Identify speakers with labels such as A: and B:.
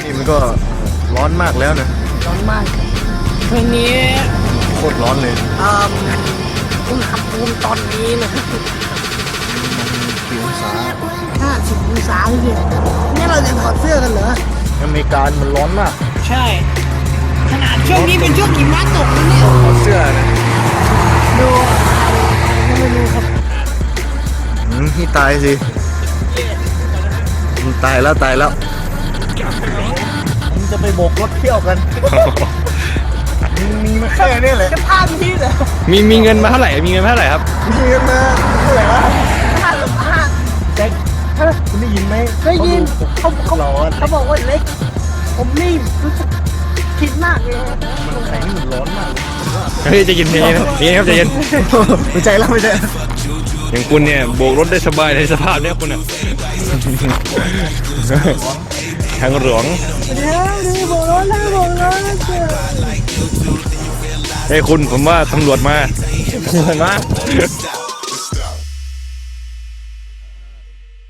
A: นี่มันก็ร้อนมากแล้วนะ
B: ร้อนมากเพลงนี้
A: โคตรร้อนเลย
B: อุณหภูมิตอนนี้นะครับ
A: กี่องศา
B: 50 องศาเลยนี่เราจะถอดเสื้อกันเหรอ
A: อเมริกามันร้อนมาก
B: ใช่ ขนาดช่วงนี้เป็นช่วงหิมะตกนะเนี่ย
A: ถอดเสื้อนะ
B: ดูไม่รู้ครับ
A: ที่ตายสิตายแล้วมึงจะไปโบกรถเที่ยวกันมึงมีมาแค่นี้แหละ
B: จะพาพี่เหรอ
C: มีเงินมาเท่าไหร่มีเงินมาเท่าไหร่ครับ
A: มีกันมาเท่าไหร่วะ
B: พาหรือพา
A: แจ็คคุณได้ยินไหม
B: ได้ยินเขา
A: ร้อน
B: เขาบอกว่าเล็ก ผมนี่รู้สึกคิดมากเลย
A: มันแข็งมันร้อนมาก
C: เฮ้ยใจะเย็นๆนะนี่ครับใจะเย็น
A: ไม่ใจแล้วไม่ใจ
C: อย่างคุณเนี่ยโบกรถได้สบายในสภาพเนี้ยคุณอ่ะทางหลวง
B: เดี๋ยวบอกร้อนแล้วบอกร้อนแล้วเจ้า
C: เฮ้ยคุณผมว่าตำรวจมา
A: เห็นไหม